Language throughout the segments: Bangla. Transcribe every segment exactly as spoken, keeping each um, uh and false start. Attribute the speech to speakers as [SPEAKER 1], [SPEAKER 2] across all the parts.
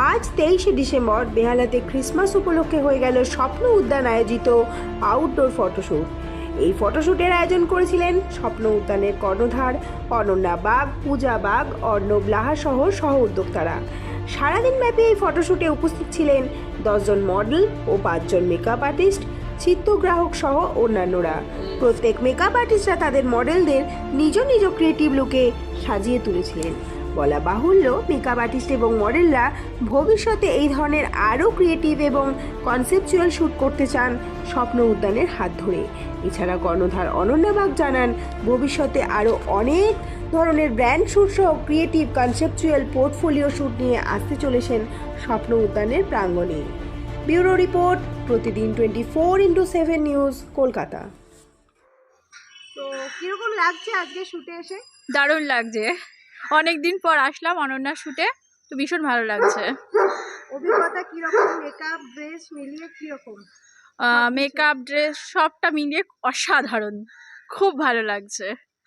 [SPEAKER 1] আজ তেইশে ডিসেম্বর বেহালাতে ক্রিসমাস উপলক্ষে হয়ে গেল স্বপ্ন উদ্যান আয়োজিত আউটডোর ফটোশ্যুট। এই ফটোশ্যুটের আয়োজন করেছিলেন স্বপ্ন উদ্যানের কর্ণধার অনন্যা বাগ, পূজা বাগ, অর্ণব লাহা সহ সহ উদ্যোক্তারা। সারাদিন ব্যাপী এই ফটোশ্যুটে উপস্থিত ছিলেন দশজন মডেল ও পাঁচজন মেকআপ আর্টিস্ট, চিত্রগ্রাহক সহ অন্যান্যরা। প্রত্যেক মেকআপ আর্টিস্টরা তাদের মডেলদের নিজ নিজ ক্রিয়েটিভ লুকে সাজিয়ে তুলেছিলেন। বলা বাহুল্য, মেকআপ আর্টিস্ট এবং মডেলরা ভবিষ্যতে এই ধরনের আরও ক্রিয়েটিভ এবং কনসেপচুয়াল শ্যুট করতে চান স্বপ্ন উদ্যানের হাত ধরে। এছাড়া কর্ণধার অনন্যা বাগ জানান, ভবিষ্যতে আরও অনেক ধরনের ব্র্যান্ড শ্যুট সহ ক্রিয়েটিভ কনসেপচুয়াল পোর্টফোলিও শ্যুট নিয়ে আসতে চলেছেন স্বপ্ন উদ্যানের প্রাঙ্গণে। ব্যুরো রিপোর্ট, প্রতিদিন twenty four into seven news, Kolkata. তো কীরকম লাগছে আজকে শ্যুটে এসে?
[SPEAKER 2] দারুণ লাগছে, অনেক দিন পর আসলাম অনন্যার শ্যুটে, তো ভীষণ ভালো লাগছে।
[SPEAKER 1] অভিজ্ঞতা কীরকম? মেকআপ, ড্রেস মিলিয়ে কীরকম?
[SPEAKER 2] মেকআপ, ড্রেস সবটা মিলিয়ে অসাধারণ, খুব ভালো লাগছে।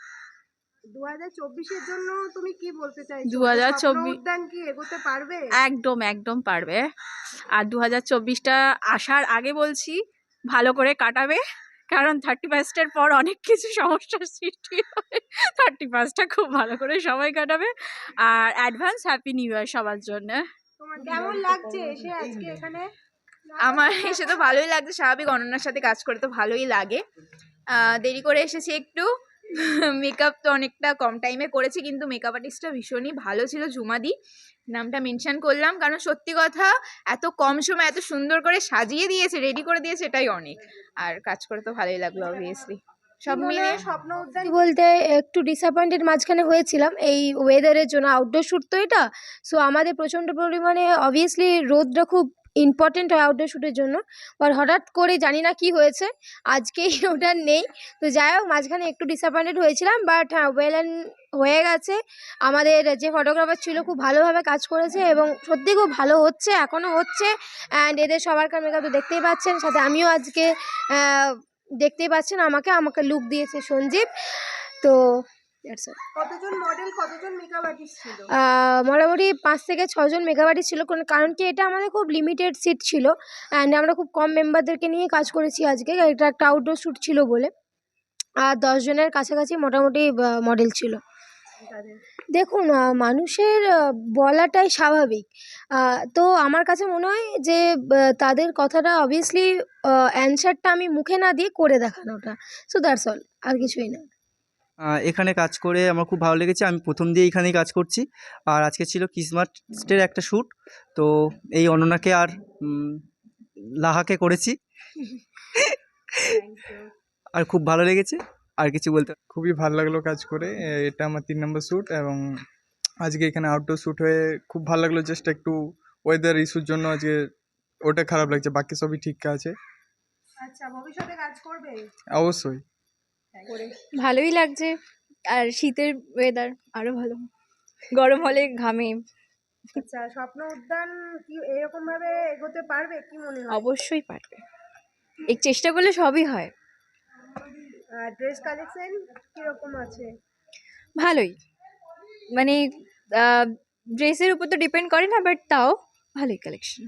[SPEAKER 1] দু হাজার চব্বিশের জন্য তুমি কি বলতে চাইছো?
[SPEAKER 2] দু হাজার চব্বিশ
[SPEAKER 1] উদ্যান কি এগোতে পারবে?
[SPEAKER 2] একদম একদম পারবে। আর দু হাজার চব্বিশটা আসার আগে বলছি ভালো করে কাটাবে, কারণ থার্টি ফার্স্টের পর অনেক কিছু সমস্যার সৃষ্টি হয়। থার্টি ফার্স্টটা খুব ভালো করে সবাই কাটাবে। আর অ্যাডভান্স হ্যাপি নিউ ইয়ার সবার জন্য।
[SPEAKER 1] তোমার কেমন লাগছে এসে আজকে এখানে?
[SPEAKER 3] আমার এসে তো ভালোই লাগছে, স্বাভাবিক অনন্যার সাথে কাজ করে তো ভালোই লাগে। দেরি করে এসেছি একটু, মেকআপ তো অনেকটা কম টাইমে করেছি, কিন্তু মেকআপ আর্টিস্টটা ভীষণই ভালো ছিল। ঝুমাদি নামটা মেনশন করলাম, কারণ সত্যি কথা এত কম সময় এত সুন্দর করে সাজিয়ে দিয়েছে, রেডি করে দিয়েছে, এটাই অনেক। আর কাজ করে তো ভালোই লাগলো অবভিয়াসলি। সব মিলিয়ে
[SPEAKER 1] স্বপ্ন উদ্যান
[SPEAKER 4] বলতে একটু ডিসঅ্যাপয়েন্টেড মাঝখানে হয়েছিলাম এই ওয়েদারের জন্য। আউটডোর শ্যুট তো এটা, সো আমাদের প্রচণ্ড পরিমাণে অবভিয়াসলি রোদটা খুব ইম্পর্টেন্ট হয় আউটডোর শ্যুটের জন্য। আর হঠাৎ করে জানি না কি হয়েছে, আজকেই ওটা নেই। তো যাই হোক, মাঝখানে একটু ডিসঅ্যাপয়েন্টেড হয়েছিলাম, বাট হ্যাঁ, ওয়েল অ্যান্ড হয়ে গেছে। আমাদের যে ফটোগ্রাফার ছিল খুব ভালোভাবে কাজ করেছে এবং সত্যি খুব ভালো হচ্ছে, এখনও হচ্ছে। অ্যান্ড এদের সবারকার মেকআপ তো দেখতেই পাচ্ছেন, সাথে আমিও আজকে দেখতেই পাচ্ছেন আমাকে আমাকে লুক দিয়েছে সঞ্জীব। তো
[SPEAKER 1] কতজন মডেল, কতজন মেকআপ আর্টিস্ট ছিল?
[SPEAKER 4] মোটামুটি পাঁচ থেকে ছজন মেকআপ আর্টিস্ট ছিল, কারণ কি এটা আমাদের খুব লিমিটেড সিট ছিল অ্যান্ড আমরা খুব কম মেম্বারদেরকে নিয়ে কাজ করেছি আজকে। এটা একটা আউটডোর শ্যুট ছিল বলে। আর দশ জনের কাছাকাছি মোটামুটি মডেল ছিল। দেখুন, মানুষের বলাটাই স্বাভাবিক, তো আমার কাছে মনে হয় যে তাদের কথাটা অবভিয়াসলি অ্যান্সারটা আমি মুখে না দিয়ে করে দেখানোটা, সো দ্যাটস অল, আর কিছুই না।
[SPEAKER 5] এখানে কাজ করে আমার খুব ভালো লেগেছে। আমি প্রথম দিয়ে এখানেই কাজ করছি, আর আজকে ছিল ক্রিসমাসের একটা শ্যুট, তো এই অনন্যাকে আর লাহাকে করেছি। আর খুব ভালো লেগেছে, আর কিছু বলতে
[SPEAKER 6] খুবই ভালো লাগলো কাজ করে। এটা আমার তিন নম্বর শ্যুট এবং আজকে এখানে আউটডোর শ্যুট হয়ে খুব ভালো লাগলো। জাস্ট একটু ওয়েদার ইস্যুর জন্য আজকে ওটা খারাপ লাগছে, বাকি সবই ঠিক আছে।
[SPEAKER 1] আচ্ছা, ভবিষ্যতে কাজ করবে?
[SPEAKER 6] অবশ্যই।
[SPEAKER 2] ভালোই লাগছে, আর শীতের ওয়েদার আরো ভালো, গরম হলে ঘামে।
[SPEAKER 1] আচ্ছা, স্বপ্ন উদ্যান কি এরকম ভাবে এগোতে পারবে কি মনে হয়?
[SPEAKER 2] অবশ্যই পারবে, এই চেষ্টা করলে সবই হয়।
[SPEAKER 1] ড্রেস কালেকশন কিরকম আছে?
[SPEAKER 2] ভালোই, মানে ড্রেসের উপর তো ডিপেন্ড করে না, বাট তাও ভালোই কালেকশন।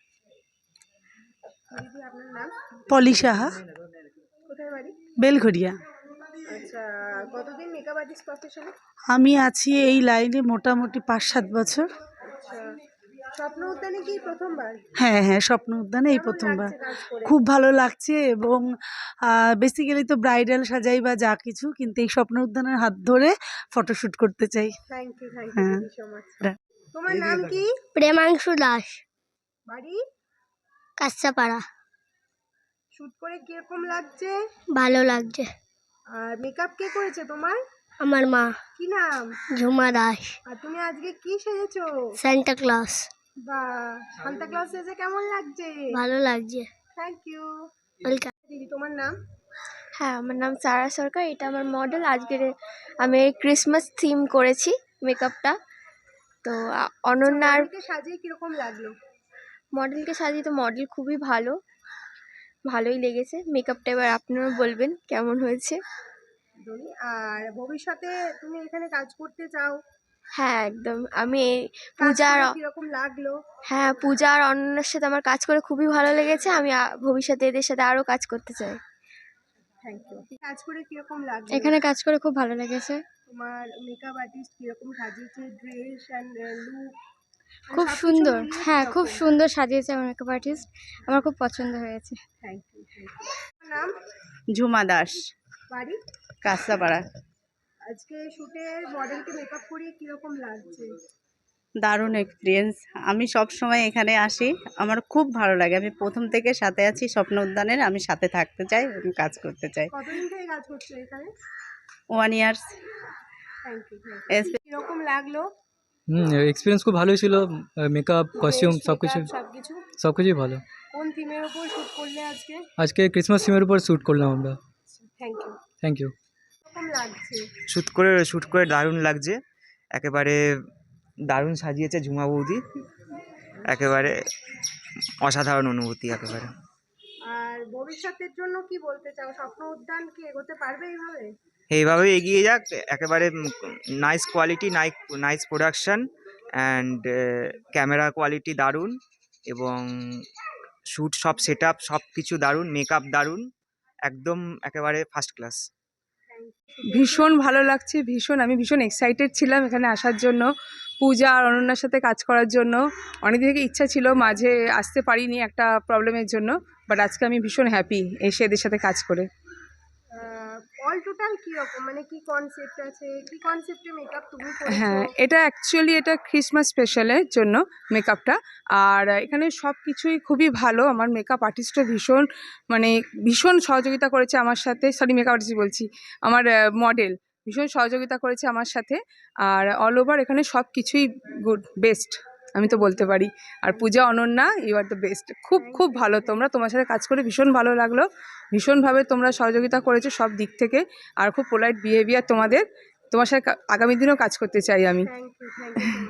[SPEAKER 1] দিদি, আপনার নাম?
[SPEAKER 7] পলি সাহা,
[SPEAKER 1] কোথায় বাড়ি?
[SPEAKER 7] বেলঘরিয়া।
[SPEAKER 1] আচ্ছা, কতদিন মেকআপ আর্টিস্ট প্রফেশনে?
[SPEAKER 7] আমি আছি এই লাইনে মোটামুটি পাঁচ সাত বছর।
[SPEAKER 1] আচ্ছা, স্বপ্ন উদ্যানে কি প্রথমবার?
[SPEAKER 7] হ্যাঁ হ্যাঁ, স্বপ্ন উদ্যানে এই প্রথমবার। খুব ভালো লাগছে, এবং বেসিক্যালি তো ব্রাইডাল সাজাই বা যা কিছু, কিন্তু এই স্বপ্ন উদ্যানের হাত ধরে ফটোশ্যুট করতে চাই।
[SPEAKER 1] থ্যাংক ইউ, থ্যাংক
[SPEAKER 7] হ্যাঁ।
[SPEAKER 1] You so much. তোমার নাম কি?
[SPEAKER 4] প্রেমাংশু দাস,
[SPEAKER 1] বাড়ি?
[SPEAKER 4] কাঁচাপাড়া।
[SPEAKER 1] শুট করে কিরকম লাগছে?
[SPEAKER 4] ভালো লাগছে।
[SPEAKER 1] আর মেকআপ কে করেছে তোমার?
[SPEAKER 4] আমার মা।
[SPEAKER 1] কি নাম?
[SPEAKER 4] ঝুমা দাস।
[SPEAKER 1] আর তুমি আজকে কি সেজেছো?
[SPEAKER 4] Santa Claus.
[SPEAKER 1] বাহ, সান্তা ক্লজ সেজে কেমন লাগছে?
[SPEAKER 4] ভালো লাগছে।
[SPEAKER 1] Thank you.
[SPEAKER 4] ওয়েলকাম।
[SPEAKER 1] দিদি, তোমার নাম?
[SPEAKER 8] হ্যাঁ, আমার নাম সারা সরকার, এটা আমার মডেল। আজকের আমি ক্রিসমাস থিম করেছি মেকআপটা। তো অনন্যার
[SPEAKER 1] মডেলকে সাজিয়ে কিরকম লাগলো?
[SPEAKER 8] মডেলকে সাজিয়ে তো মডেল খুবই ভালো, ভালোই লেগেছে। মেকআপটা এবার আপনারা বলবেন কেমন হয়েছে।
[SPEAKER 1] আর ভবিষ্যতে তুমি এখানে কাজ করতে চাও,
[SPEAKER 8] হ্যাঁ একদম আমি এই
[SPEAKER 1] কাজ
[SPEAKER 8] পূজার
[SPEAKER 1] করে কিরকম লাগলো?
[SPEAKER 8] হ্যাঁ পূজা আর অনন্যার সাথে আমার কাজ করে খুবই ভালো লেগেছে। আমি আ- ভবিষ্যতে এদের সাথে আরও কাজ করতে চাই।
[SPEAKER 1] Thank you. কাজ করে কিরকম লাগলো?
[SPEAKER 8] এখানে কাজ করে খুব ভালো লেগেছে।
[SPEAKER 1] তোমার মেকআপ আর্টিস্ট কিরকম সাজিয়েছে, ড্রেস অ্যান্ড লুক?
[SPEAKER 8] খুব সুন্দর, হ্যাঁ খুব সুন্দর সাজিয়েছে আমার মেকআপ আর্টিস্ট। আমার খুব পছন্দ হয়েছে।
[SPEAKER 1] Thank you. নাম?
[SPEAKER 9] ঝুমা দাস,
[SPEAKER 1] বাড়ি?
[SPEAKER 9] কাঁচরাপাড়া।
[SPEAKER 1] আজকে শুটে মডেলকে মেকআপ করিয়ে কিরকম লাগছে?
[SPEAKER 9] দারুণ এক্সপিরিয়েন্স। আমি সব সময় এখানে আসি, আমার খুব ভালো লাগে। আমি প্রথম থেকে সাথে আছি স্বপ্ন উদ্যানের, আমি সাথে থাকতে চাই এবং কাজ করতে চাই।
[SPEAKER 1] কতদিন থেকে কাজ করছো এখানে?
[SPEAKER 9] One years.
[SPEAKER 1] Thank you. কিরকম লাগলো?
[SPEAKER 10] হুম এক্সপিরিয়েন্স খুব ভালোই ছিল, মেকআপ কস্টিউম সব কিছু
[SPEAKER 1] সবকিছু?
[SPEAKER 10] সব কিছুই ভালো।
[SPEAKER 1] কোন থিমের উপর শুট করলে আজকে?
[SPEAKER 10] আজকে ক্রিসমাস থিমের উপর শ্যুট করলাম আমরা।
[SPEAKER 1] Thank you.
[SPEAKER 10] Thank you.
[SPEAKER 1] কিরকম লাগছে?
[SPEAKER 11] শ্যুট করে শ্যুট করে দারুণ লাগছে, একেবারে দারুণ সাজিয়েছে ঝুমা বৌদি, একেবারে অসাধারণ অনুভূতি একেবারে।
[SPEAKER 1] আর ভবিষ্যতের জন্য কি বলতে চাও? স্বপ্ন উদ্যান কি এগোতে পারবে এইভাবে?
[SPEAKER 11] এইভাবে এগিয়ে যাক, একেবারে nice quality, nice nice production and camera quality দারুণ, এবং শ্যুট সব সেট আপ সব কিছু দারুণ, মেকআপ দারুণ, একদম একেবারে ফার্স্ট ক্লাস।
[SPEAKER 12] ভীষণ ভালো লাগছে, ভীষণ আমি ভীষণ এক্সাইটেড ছিলাম এখানে আসার জন্য, পূজা আর অনন্যার সাথে কাজ করার জন্য। অনেক দিন থেকে ইচ্ছা ছিল, মাঝে আসতে পারিনি একটা প্রবলেমের জন্য, বাট আজকে আমি ভীষণ হ্যাপি এসে এদের সাথে কাজ করে।
[SPEAKER 1] অল টোটাল কিরকম, মানে কি কনসেপ্ট আছে, কি কনসেপ্টে মেকআপ তুমি করেছো?
[SPEAKER 12] হ্যাঁ এটা অ্যাকচুয়ালি এটা ক্রিসমাস স্পেশালের জন্য মেকআপটা, আর এখানে সব কিছুই খুবই ভালো। আমার মেকআপ আর্টিস্টও ভীষণ মানে ভীষণ সহযোগিতা করেছে আমার সাথে, সরি মেকআপ আর্টিস্ট বলছি, আমার মডেল ভীষণ সহযোগিতা করেছে আমার সাথে। আর অল ওভার এখানে সব কিছুই গুড, বেস্ট আমি তো বলতে পারি। আর Puja Ananya you are the best, খুব খুব ভালো তোমরা, তোমার সাথে কাজ করে ভীষণ ভালো লাগলো, ভীষণভাবে তোমরা সহযোগিতা করেছো সব দিক থেকে, আর খুব পোলাইট বিহেভিয়ার তোমাদের, তোমার সাথে আগামী দিনেও কাজ করতে চাই আমি।
[SPEAKER 1] Thank you, thank you.